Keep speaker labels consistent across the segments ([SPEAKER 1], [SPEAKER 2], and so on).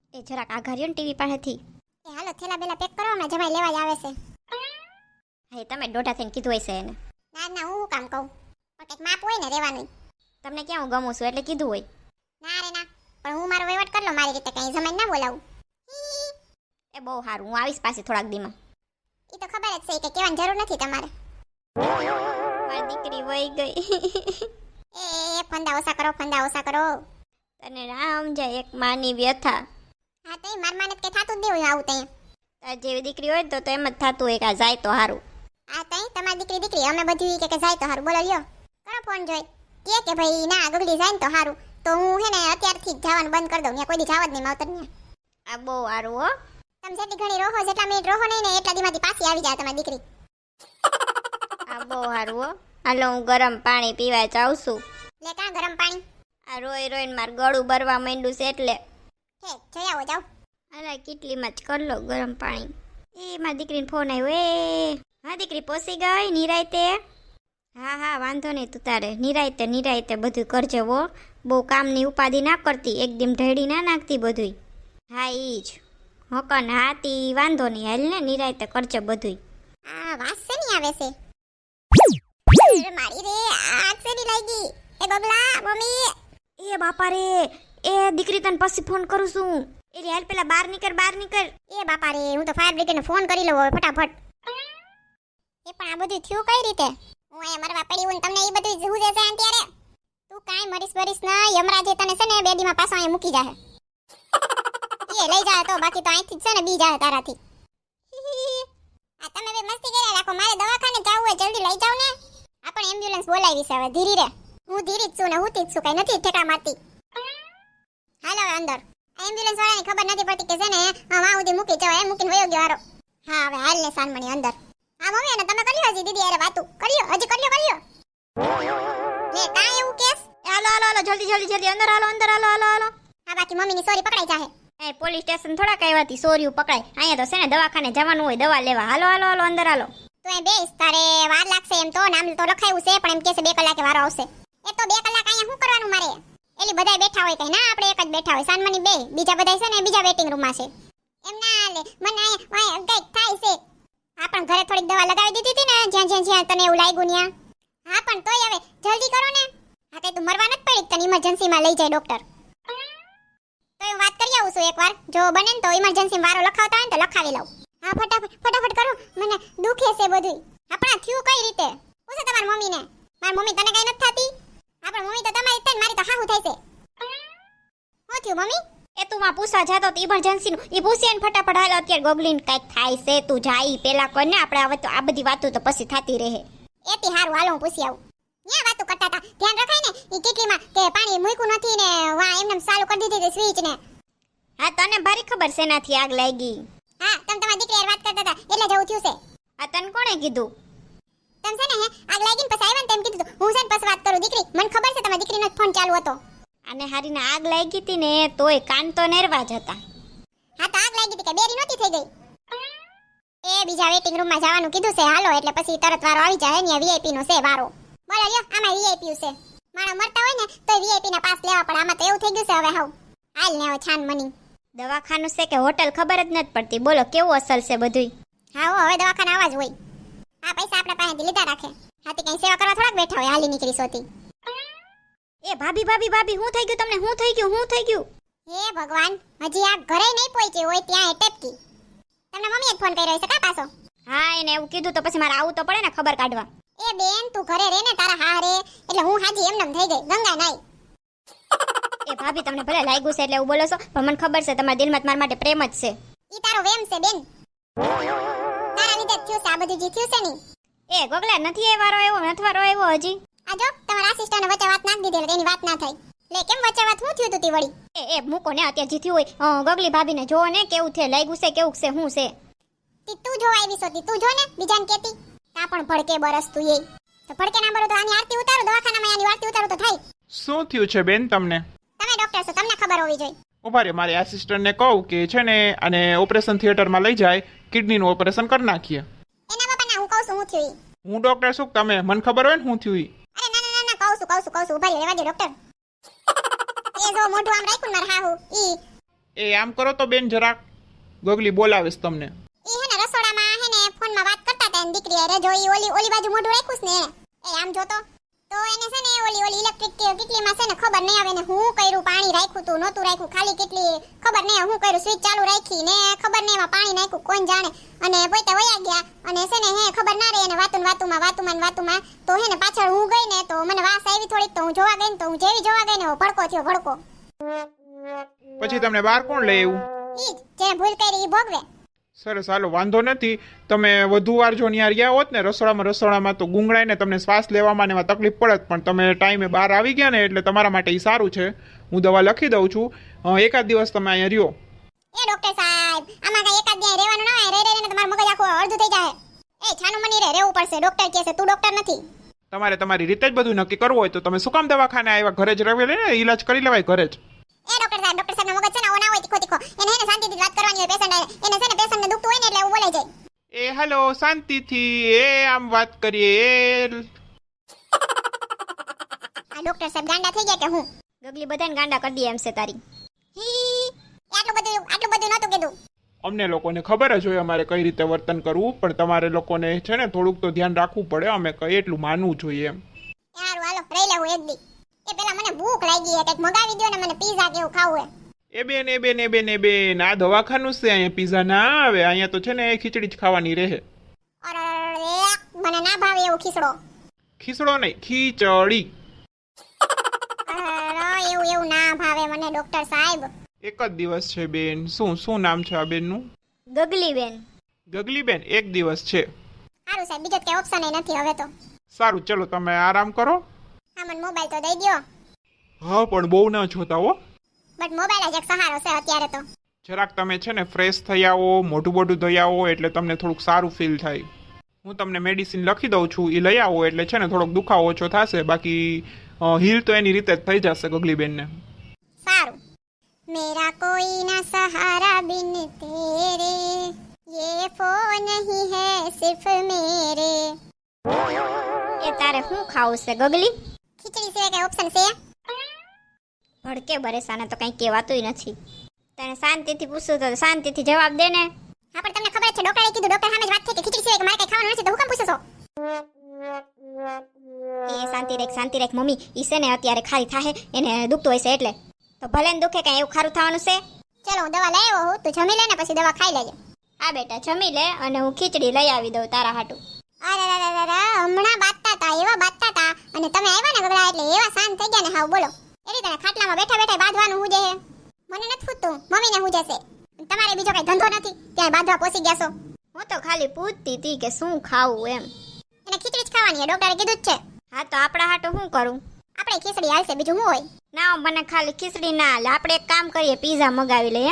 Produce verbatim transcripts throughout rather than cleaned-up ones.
[SPEAKER 1] એ જરાક આ ઘર્યો ને ટીવી પાસેથી.
[SPEAKER 2] એ હાલો થેલા બેલા પેક કરો, હમણાં જમાઈ લેવા જ આવે છે.
[SPEAKER 1] હા તમે દોઢા થઈને કીધું હશે એને.
[SPEAKER 2] ના ના, હું શું કામ કહું, પણ કંઈક માપ હોય ને રહેવાનું.
[SPEAKER 1] તમને ક્યાં હું ગમું છું એટલે કીધું હોય.
[SPEAKER 2] ના રે ના, પણ હું મારો વહીવટ કરી લો મારી રીતે, કઈ જમાઈ ના બોલાવું.
[SPEAKER 1] એ બહુ સારું, હું આવીશ પાછી થોડાક દીમાં.
[SPEAKER 2] એ તો ખબર જ છે કે કહેવાની જરૂર નથી તમારે.
[SPEAKER 1] મારી દીકરી વહી ગઈ.
[SPEAKER 2] એ ફંદા ઓછા કરો, ફંદા ઓછા કરો.
[SPEAKER 1] તને રામ જાય એક માની વ્યથા.
[SPEAKER 2] હા તો માર માને કે થાતું જ દેવું આવું તઈ.
[SPEAKER 1] તાર જેવી દીકરી હોય તો તો એમ જ થતું હોય કે આ જાય તો સારું.
[SPEAKER 2] આ તઈ તમારી દીકરી દીકરી અમે બધું કે કે જાય તો સારું. બોલો લ્યો કરો ફોન જોઈ કે કે ભાઈ ના ગગડી જાય ને તો સારું. તો હું હે ને અત્યારથી જ જવાનું બંધ કરી દઉં. ત્યાં કોઈ દી જવા જ નહીં માવતર ને.
[SPEAKER 1] આ બહુ સારું હો.
[SPEAKER 2] તમે જેટલી ઘણી રોહો, જેટલા મિનિટ રોહો નહીં ને એટલા દીમાંથી પાછી આવી જાય તમારી દીકરી.
[SPEAKER 1] આ બહુ સારું હો. હાલો હું ગરમ પાણી પીવા જાઉં છું.
[SPEAKER 2] લે કાં ગરમ પાણી?
[SPEAKER 1] આ રોઈ રોઈને મારું ગળું ભરવા માંડ્યું છે એટલે.
[SPEAKER 2] હે જોઈ આવો જાવ.
[SPEAKER 1] અરે કેટલીમાં જ કર લો ગરમ પાણી. એ મારી દીકરીને ફોન આવ્યો. એ હા દીકરી પહોંચી ગઈ નિરાયતે? હા હા વાંધો નહીં, તું તારે નિરાયતે નિરાયતે બધું કરજે હો. બહુ કામની ઉપાધિ ના કરતી, એકદમ ઢેડી ના નાખતી બધું. હા ઈ જ હકન હાથી વાંધો નહીં, હાલ ને નિરાયતે કરજે બધું.
[SPEAKER 2] આ વાસ છે ની આવે છે. અરે મારી રે આગ છે ની લાગી. એ બબલા મમ્મી.
[SPEAKER 1] એ બાપા રે, એ દીકરી તને પછી ફોન કરું છું. એ હાલ પેલા બહાર નીકળ, બહાર નીકળ.
[SPEAKER 2] એ બાપા રે, હું તો ફાયર બ્રિગેડને ફોન કરી લઉં હવે ફટાફટ. એ પણ આ બધું થયું કઈ રીતે? હું અહીંયા મરવા પડી હું તમને એ બધું જવું દેશે આંટી રે. તું કાઈ મરીશ મરીશ ના, યમરાજે તને છે ને બે દીમાં પાછો અહીંયા મૂકી જાહે. એ લઈ જાય તો બાકી તો અહીંથી જ છે ને બી જાય તારાથી. આ તમે બે મસ્તી કર્યા રાખો, મારે દવાખાને જવું હોય જલ્દી લઈ જાવ ને. આ પણ એમ્બ્યુલન્સ બોલાવી છે હવે, ધીરી રે. હું ધીરી જ છું ને હું જ છું, કઈ નથી ઠેકા મારતી. હાલો હવે અંદર. એમ્બ્યુલન્સ વાળાને ખબર નથી પડતી કે છે ને વાં સુધી મૂકી જવાય, એમ મૂકીને વયો ગયો હારો. હા હવે હાલ ને સાનમણી અંદર. હા મમ્મી અને તમે કર્યો હજી દીદી અરે વાતું કર્યો હજી કર્યો કર્યો લે કાંઈ એવું કેસ?
[SPEAKER 1] હાલો હાલો હાલો જલ્દી જલ્દી જલ્દી અંદર હાલો, અંદર હાલો હાલો હાલો.
[SPEAKER 2] હા બાકી મમ્મીની સોરી પકડાઈ જાહે.
[SPEAKER 1] એ પોલીસ સ્ટેશન થોડા કહેવાતી સોરીયું પકડાય. અહીંયા તો છે ને દવાખાને જવાનું હોય દવા લેવા. હાલો હાલો હાલો અંદર હાલો.
[SPEAKER 2] તું એ બેસ, તારે વાર લાગશે એમ તો, નામ તો લખાયું છે પણ એમ કે છે બે કલાકે વારો આવશે. એ તો બે કલાક અહીંયા શું કરવાનું મારે? એલી બધાય બેઠા હોય કઈ ના, આપણે એક જ બેઠા હોય સાનમની બે, બીજા બધાય છે ને બીજા વેટિંગ રૂમમાં છે. એમ ના લે મને અહીંયા કઈક થાય છે. હા પણ ઘરે થોડીક દવા લગાવી દીધી હતી ને જ્યાં જ્યાં જ્યાં તને એવું લાગ્યું ત્યાં. હા પણ તોય હવે જલ્દી કરો ને. હા તે તું મરવા નથી પડી, તને ઇમરજન્સીમાં લઈ જાય ડોક્ટર. તો હું વાત કરી આવું છું એકવાર, જો બને ને તો ઇમરજન્સી વારો લખાવતા હોય ને તો લખાવી લઉં. હા ફટાફટ ફટાફટ કરો, મને દુખે છે બધું. આપણા થયું કઈ રીતે? પૂછો તમારી મમ્મીને. મારી મમ્મી તને કઈ નથી થતી? હા પણ મમ્મી તો તમારી જ મારી તો હાહુ થાય છે. શું થયું મમ્મી?
[SPEAKER 1] એ તું માં પૂછવા જાતો તો ઇમરજન્સી નું ઈ પૂછે ને ફટાફટ હાલ અત્યારે ગોગલીન કઈક થાય છે. તું જાય પેલા કોને આપણે હવે તો આ બધી વાતો તો પછી થતી રહે.
[SPEAKER 2] એથી હારું હાલો હું પૂછી આવું. ન્યા વાતો કરતા હતા ધ્યાન રખાય ને ઈ કેટલીમાં કે પાણી મૂક્યું નથી ને વા એમને ચાલુ કરી દીધી સ્વિચ ને.
[SPEAKER 1] હા તને ભારી ખબર છે એનાથી આગ લાગી.
[SPEAKER 2] હા તમે તમારી દીકરી વાત કરતા હતા એટલે જવું થયું છે.
[SPEAKER 1] આ તને કોણે કીધું?
[SPEAKER 2] તમે છે ને હે આગ લાગી ને પછી આવ્યા ને તેમ કીધું હું છે ને પછી વાત કરું દીકરી. મને ખબર છે તમારી દીકરીનો ફોન ચાલુ હતો.
[SPEAKER 1] અને હારીને આગ લાગી હતી ને તોય કાન તો નેરવા જ હતા.
[SPEAKER 2] હા તો આગ લાગી હતી કે બેરી નહોતી થઈ ગઈ. એ બીજા વેટિંગ રૂમમાં જવાનું કીધું છે હાલો એટલે પછી તરત વારો આવી જાય ને વીઆઈપી નો છે વારો. બોલો લ્યો આમાં વીઆઈપી છે. માણો મરતા હોય ને તો વીઆઈપી ના પાસ લેવા પડે. આમાં તો એવું થઈ ગયું છે હવે હાવ. હાલ ને હવે છાન મની.
[SPEAKER 1] દવાખાનું છે કે હોટલ ખબર જ નથી પડતી. બોલો કેવું અસલ છે બધુંય.
[SPEAKER 2] હા હો હવે દવાખાના આવા જ હોય. આ પૈસા આપણા પાસેથી લીધા રાખે. હાથી કઈ સેવા કરવા થોડાક બેઠા હોય હાલી નીકળી સોતી.
[SPEAKER 1] એ ભાભી ભાભી ભાભી હું થઈ ગયું તમને? હું થઈ ગયું હું થઈ ગયું?
[SPEAKER 2] હે ભગવાન હજી આ ઘરે નહીં પહોંચી હોય ત્યાં એટેપકી. તમને મમ્મીએ જ ફોન કર્યો છે કા પાછો?
[SPEAKER 1] હા એને એવું કીધું તો પછી મારે આવું તો પડે ને ખબર કાઢવા.
[SPEAKER 2] એ બેન તું ઘરે રે ને તારા હા રે એટલે હું હાજી એમનેમ થઈ ગઈ ગંગા નાઈ.
[SPEAKER 1] એ ભાભી તમને ભલે લાગ્યું છે એટલે એવું બોલો છો પણ મને ખબર છે તમારા દિલમાં મારા માટે પ્રેમ જ છે.
[SPEAKER 2] ઈ તારો વેમ છે બેન. તારા લીધે જ થયું છે આ બધું જે થયું છે ની.
[SPEAKER 1] એ ગોગલા નથી એ વારો આવ્યો નથી વારો આવ્યો હજી.
[SPEAKER 2] આ જો તમારા આસિસ્ટન્ટને વચ્ચે વાત નાખ દીધી એટલે એની વાત ના થઈ. લે કેમ વચ્ચે વાત શું થયું તું તી વળી?
[SPEAKER 1] એ એ મૂકો ને અત્યારે જીત્યું હોય અ, ગગલી ભાભીને જોવો ને કેવું છે લાગ્યું છે કેવું છે શું છે.
[SPEAKER 2] તી તું જોવા આવી સોતી તું જો ને બીજાને કેતી. તા પણ ભડકે બરસ તું એ. તો ભડકે ના બરો તો આની આરતી ઉતારો દવાખાનામાં આની આરતી ઉતારો તો થાય.
[SPEAKER 3] શું થયું છે બેન તમને?
[SPEAKER 2] તમે ડોક્ટર છો તમને ખબર હોવી જોઈએ.
[SPEAKER 3] ઉભા રે મારી આસિસ્ટન્ટને કહું કે છે ને અને ઓપરેશન થિયેટરમાં લઈ જાય કિડનીનું ઓપરેશન કરી નાખીએ.
[SPEAKER 2] એના બાપા ના હું કહું છું હું થયું ઈ.
[SPEAKER 3] હું ડોક્ટર છું તમે મને ખબર હોય ને હું થયું ઈ.
[SPEAKER 2] અરે ના ના ના કહું છું કહું છું કહું છું ઉભા રહેવા દે ડોક્ટર. એ જો મોઢું આમ રાખ્યું માર હાહુ ઈ.
[SPEAKER 3] એ આમ કરો તો બેન જરાક, ગગલી બોલાવીશ તમને.
[SPEAKER 2] ઈ હે ને રસોડામાં હે ને ફોનમાં વાત કરતા હતા એની દીકરી અરે જો ઈ ઓલી ઓલી બાજુ મોઢું રાખ્યું છે ને એને. એ આમ જોતો તો એને છે ને ઓલી ઓલી ઇલેક્ટ્રિક કેટલીમાં છે ને ખબર નહીં આવે ને હું કર્યું પાણી રાખ્યું તું નહોતું રાખ્યું ખાલી કેટલી ખબર નહીં હું કર્યું સ્વિચ ચાલુ રાખી ને ખબર નહીં એમાં પાણી નાખ્યું કોણ જાણે અને પોતે વયા ગયા અને છે ને હે ખબર ના રહે એને વાતું વાતુમાં વાતુમાં વાતુમાં તો હે ને પાછળ હું ગઈ ને તો મને વાસ આવી થોડીક તો હું જોવા ગઈ ને તો હું જેવી જોવા ગઈ ને ભડકો થયો ભડકો.
[SPEAKER 3] પછી તમને બહાર કોણ લઈ આવ્યું?
[SPEAKER 2] ઈ જ જેને ભૂલ કરી ઈ ભોગવે.
[SPEAKER 3] સરસ, હાલો વાંધો નથી. તમે વધુ વાર જો ત્યાં રહ્યા હોત ને રસોડામાં રસોડામાં તો ગુંગળાઈને તમને શ્વાસ લેવામાં ને એમાં તકલીફ પડત, પણ તમે ટાઈમે બહાર આવી ગયા ને એટલે તમારા માટે એ સારું છે. હું દવા લખી દઉં છું, એકાદ દિવસ તમે અહીંયા રહ્યો.
[SPEAKER 2] એ ડોક્ટર સાહેબ આમાં કઈ એકાદ દિવસ રહેવાનું ના હોય, રહી રહીને તમારું મગજ આખું અડધું થઈ જાય. એ છાનું મની રે રહેવું પડશે, ડોક્ટર કહે છે તું ડોક્ટર નથી.
[SPEAKER 3] તમારે તમારી રીતે જ બધું નક્કી કરવું હોય તો તમે શું કામ દવાખાને આવ્યા? ઘરે જ રહે ને ઈલાજ કરી લેવાય ઘરે જ.
[SPEAKER 2] એ ડોક્ટર સાહેબ ડોક્ટર સાહેબનો મગજ છે ને ઓ ના હોય તીખો તીખો એને હે ને શાંતિથી વાત કરવાની હોય પેશન્ટ એને છે ને પેશન્ટને દુખતું હોય ને એટલે એવું બોલાઈ જાય.
[SPEAKER 3] એ હાલો શાંતિથી, એ આમ વાત કરીએ. એ
[SPEAKER 2] આ ડોક્ટર સાહેબ ગાંડા થઈ ગયા કે હું?
[SPEAKER 1] ગગલી બધાને ગાંડા કરી દે એમ છે તારી.
[SPEAKER 2] હી આટલું બધું આટલું બધું નહોતું કીધું.
[SPEAKER 3] અમને લોકોને ખબર જ હોય અમારે કઈ રીતે વર્તન કરવું, પણ તમારે લોકોને છે ને થોડુંક તો ધ્યાન રાખવું પડે. અમે કઈ એટલું માનવું જોઈએ એમ.
[SPEAKER 2] યાર હાલો રહી લેવું એક દી. એ પેલા મને ભૂખ લાગી છે કંઈક મગાવી દો ને મને પીઝા કેવું ખાવું હે.
[SPEAKER 3] એ બેન એ બેન એ બેન એ બેન આ દવાખાનું છે, અહીંયા પીઝા ના આવે, અહીંયા તો છે ને ખીચડી જ ખાવાની રહે.
[SPEAKER 2] અરે મને ના ભાવે એવું ખીસડો.
[SPEAKER 3] ખીચડો નહીં, ખીચડી.
[SPEAKER 2] અરે એવું એવું ના ભાવે મને ડોક્ટર સાહેબ.
[SPEAKER 3] એક જ દિવસ છે બેન. શું શું નામ છે આ બેનનું?
[SPEAKER 1] ગગલી બેન.
[SPEAKER 3] ગગલી બેન એક દિવસ છે.
[SPEAKER 2] સારું સાહેબ બીજો કઈ ઓપ્શન નથી હવે તો.
[SPEAKER 3] સારું ચલો તમે આરામ કરો.
[SPEAKER 2] હા મને મોબાઈલ તો દઈ દ્યો.
[SPEAKER 3] હા પણ બહુ ના જોતા હો.
[SPEAKER 2] બટ મોબાઈલ જ એક સહારો છે અત્યારે તો.
[SPEAKER 3] જરાક તમે છે ને ફ્રેશ થઈ આવો, મોઢું બોઢું ધોઈ આવો એટલે તમને થોડુંક સારું ફીલ થાય. હું તમને મેડિસિન લખી દઉં છું, એ લઈ આવો એટલે છે ને થોડોક દુખાવો ઓછો થશે. બાકી હીલ તો એની રીતે જ થઈ જશે ગગલીબેનને.
[SPEAKER 2] સારું. मेरा कोई ना सहारा बिन तेरे ये फोन नहीं है सिर्फ मेरे.
[SPEAKER 1] એ તારે શું ખાવું છે ગગલી?
[SPEAKER 2] ખીચડી સિવાય કઈ ઓપ્શન છે?
[SPEAKER 1] ભડકે બરેસાને તો કંઈ કહેવાતુંય નથી. તને શાંતિથી પૂછું તો શાંતિથી જવાબ દે ને.
[SPEAKER 2] હા પણ તમને ખબર છે ડોક્ટરે કીધું ડોક્ટર સામે જ વાત થઈ કે ખીચડી સિવાય મારે કઈ ખાવાનું નથી તો હું કેમ પૂછો છો?
[SPEAKER 1] એ શાંતિ રાખ શાંતિ રાખ મમ્મી, ઈ છે ને અત્યારે ખાલી થાહે એને દુખતું હોય છે એટલે. તો ભલે ને દુખે કઈ એવું ખારું થવાનું છે?
[SPEAKER 2] ચલો હું દવા લઈ આવ્યો હું, તું જમી લે ને પછી દવા ખાઈ લેજે.
[SPEAKER 1] આ બેટા જમી લે અને હું ખીચડી લઈ આવી દઉં તારા હાટું.
[SPEAKER 2] અરે અરે અરે હમણાં બાતતા તા એવા બાતતા તા અને તમે આવ્યા ને ગગડા એટલે એવા શાંત થઈ ગયા ને હાવ બોલો. એની તને ખાટલામાં બેઠા બેઠા બાંધવાનું હું જે હે મને નથી ફૂટતું, મમ્મીને હું જશે. તમારે બીજો કઈ ધંધો નથી ત્યાં બાંધવા પોસી ગયા છો.
[SPEAKER 1] હું તો ખાલી પૂછતી હતી કે શું ખાવું એમ.
[SPEAKER 2] એને ખીચડી જ ખાવાની ડોક્ટરે કીધું જ છે.
[SPEAKER 1] હા તો આપણા હાટું શું કરું?
[SPEAKER 2] આપણે ખીચડી હાલશે બીજું શું હોય?
[SPEAKER 1] ના મને ખાલી ખીચડી ના હાલે, આપણે એક કામ કરીએ પીઝા મગાવી લઈએ.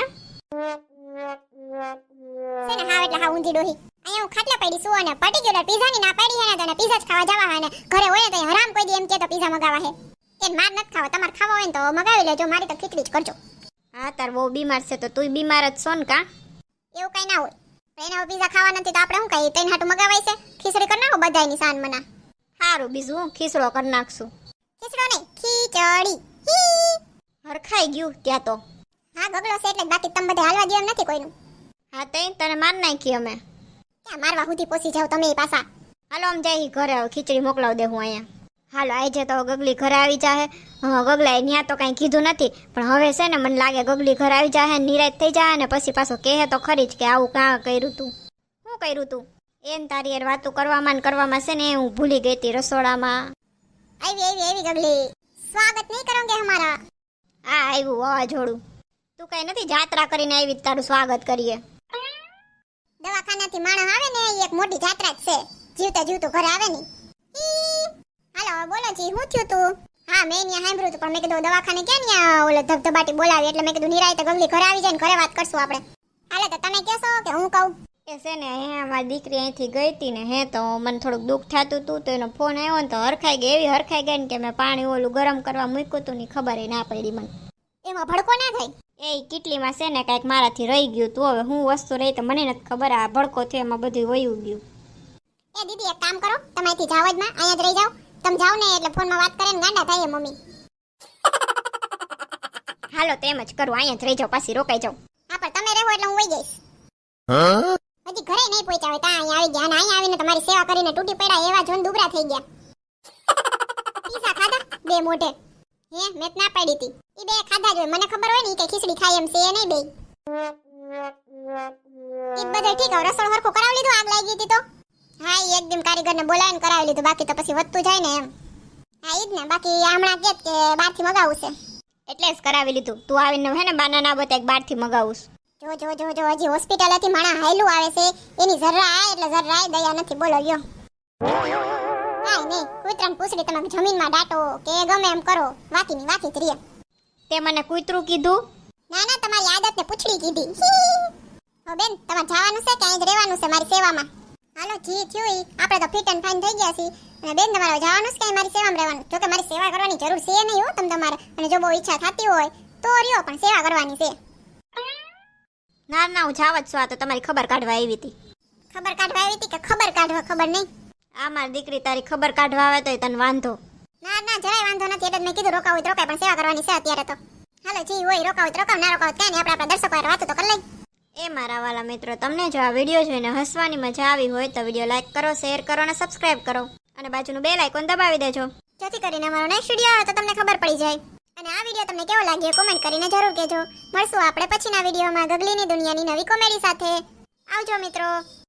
[SPEAKER 2] છે ને હા એટલે હા ઊંધી ડોહી. અહીંયા હું ખાટલા પડી છું અને પર્ટિક્યુલર પીઝાની ના પડી હે ને તને પીઝા જ ખાવા જવા હે ને ઘરે હોય તો હરામ કોઈ દી એમ કે તો પીઝા મગાવા હે. એ માર નથી ખાવા, તમારે ખાવા હોય ને તો મગાવી લેજો, મારી તો ખીચડી જ કરજો.
[SPEAKER 1] હા તાર બહુ બીમાર છે તો તું બીમાર જ છો ને કા?
[SPEAKER 2] એવું કઈ ના હોય. એને પીઝા ખાવા નથી તો આપણે શું કહીએ તૈન હાટું મગાવાય છે? ખીચડી કરી નાખો બધાયની સાન મના.
[SPEAKER 1] સારું બીજું હું ખીચડો કરી નાખશું.
[SPEAKER 2] ખીચડો નહીં ખીચડી. હી
[SPEAKER 1] હરખાઈ ગયું ત્યાં તો.
[SPEAKER 2] હા ગગડો છે એટલે જ, બાકી તમે બધા હાલવા દો એમ નથી કોઈનું.
[SPEAKER 1] હા તઈ તને માર નાખી અમે.
[SPEAKER 2] ક્યાં મારવા સુધી પોસી જાવ તમે એ પાછા.
[SPEAKER 1] હાલો આમ જાય ઘરે હવે ખીચડી મોકલાવ દે હું અહીંયા. હાલો આજે તો ગગલી ઘરે આવી જાહે. હા ગગલાએ ત્યાં તો કાંઈ કીધું નથી પણ હવે છે ને મને લાગે ગગલી ઘરે આવી જાહે નિરાશ થઈ જાય ને પછી પાછો કહે તો ખરી જ કે આવું કાં કર્યું તું, શું કર્યું તું એમ તારી યાર વાતું કરવામાં ને કરવામાં છે ને હું ભૂલી ગઈ હતી રસોડામાં.
[SPEAKER 2] આવી આવી આવી ગગલી, સ્વાગત નહીં કરોગે હમારા.
[SPEAKER 1] આ આવ્યું વાવાઝોડું. તું કઈ નથી જાત્રા કરીને આવી તારું સ્વાગત કરીએ.
[SPEAKER 2] દવાખાનાથી માણસ આવે ને એ એક મોટી જાત્રા જ છે, જીવતા જીવતું ઘરે આવે ને. હાલો બોલો જી શું થયું તું? હા મેં અહીંયા સાંભળ્યું હતું પણ મેં કીધું દવાખાને ક્યાં ન્યા ઓલે ધબધબાટી બોલાવી એટલે મેં કીધું નિરાય તો ગગલી ઘરે આવી જાય ને ઘરે વાત કરશું આપણે. હાલે તો તમે કહેશો કે હું કહું?
[SPEAKER 1] એ છે ને હે મારી દીકરી અહીંથી ગઈ હતી ને હે તો મને થોડુંક દુઃખ થતું હતું તો એનો ફોન આવ્યો ને તો હરખાઈ ગઈ, એવી હરખાઈ ગઈ ને કે મેં પાણી ઓલું ગરમ કરવા મૂક્યું હતું ને ખબર ના પડી મને.
[SPEAKER 2] એમાં ભડકો ના થાય?
[SPEAKER 1] એ કેટલીમાં છે ને કાંઈક મારાથી રહી ગયું તું, હવે હું વસ્તુ રહી તો મને નથી ખબર, આ ભડકો થયો એમાં બધું વયું ગયું.
[SPEAKER 2] એ દીદી એક કામ કરો તમે અહીંથી જાવ જ માં, અહીંયા જ રહી જાવ. તમે જાવ ને એટલે ફોનમાં વાત કરે ને ગાંડા થાય મમ્મી.
[SPEAKER 1] હાલો તેમ જ કરું, અહીંયા જ રહી જાઉં, પાછી રોકાઈ જાઉં.
[SPEAKER 2] હા પણ તમે રહો એટલે હું વઈ જઈશ. હજી ઘરે નહીં પહોંચ્યા હોય ત્યાં અહીંયા આવી ગયા અને અહીંયા આવીને તમારી સેવા કરીને તૂટી પડ્યા એવા જોન દુબળા થઈ ગયા. પીઝા ખાધા બે મોઢે? હે મેં તો ના પાડી હતી. ઈ બે ખાધા જ હોય, મને ખબર હોય ને ઈ કે ખીચડી ખાય એમ છે એ નહીં બે. ઈ બધે ઠીક હવે રસોડ હરખું કરાવી લીધું, આગ લાગી હતી તો? હા ઈ એકદમ કારીગરને બોલાવીને કરાવી લીધું, બાકી તો પછી વધતું જાય ને એમ. હા ઈ જ ને, બાકી હમણાં કેત કે બહારથી મગાવું છે.
[SPEAKER 1] એટલે જ કરાવી લીધું. તું આવીને હે ને બાના ના બતા બહારથી મગાવું.
[SPEAKER 2] જો જો જો જો હજી હોસ્પિટલેથી માણા હાયલું આવે છે, એની જરા આ એટલે જરાય દયા નથી, બોલો લ્યો. કાંઈ નહીં, કૂતરાને પૂછડી તમે જમીનમાં દાટો કે ગમે એમ કરો, વાકીની વાકી જ રીએ.
[SPEAKER 1] તે મને કૂતરું કીધું?
[SPEAKER 2] ના ના તમારી આદતને પૂછડી કીધી. હો બેન તમારે જવાનું છે કે અહીં જ રહેવાનું છે મારી સેવામાં? હાલો જી થયું ઈ, આપણે તો ફિટ એન્ડ ફાઇન થઈ ગયા છીએ. અને બેન તમારે જવાનું છે કે અહીં મારી સેવામાં રહેવાનું? જો કે મારી સેવા કરવાની જરૂર છે નહીં હો તમ તમારે, અને જો બહુ ઈચ્છા થતી હોય તો રહ્યો, પણ સેવા કરવાની છે.
[SPEAKER 1] ના ના હું જાવ જ છું, આ તો તમારી ખબર કાઢવા આવી હતી.
[SPEAKER 2] ખબર કાઢવા આવી હતી કે ખબર કાઢવા? ખબર નહીં.
[SPEAKER 1] આ મારી દીકરી તારી ખબર કાઢવા આવે તોય તને વાંધો.
[SPEAKER 2] ના ના જરાય વાંધો નથી, એટલે જ મેં કીધું રોકાવું તો રોકાય, પણ સેવા કરવાની છે અત્યારે તો. હાલો જી હોય રોકાવું તો રોકાવ, ના રોકાવ કાંઈ નહીં, આપણે આપણા દર્શકો હારે વાતો તો કરી લઈ.
[SPEAKER 1] એ મારા વાલા મિત્રો, તમને જો આ વિડીયો જોઈને હસવાની મજા આવી હોય તો વિડીયો લાઈક કરો, શેર કરો અને સબસ્ક્રાઇબ કરો, અને બાજુનું બેલ આઇકોન દબાવી દેજો,
[SPEAKER 2] જેથી કરીને અમારો નેક્સ્ટ વિડીયો આવે તો તમને ખબર પડી જાય. અને આ વિડીયો તમને કેવો લાગ્યો કોમેન્ટ કરીને જરૂર કહેજો. મળશું આપણે પછીના વિડીયોમાં ગગલીની દુનિયાની નવી કોમેડી સાથે. આવજો મિત્રો.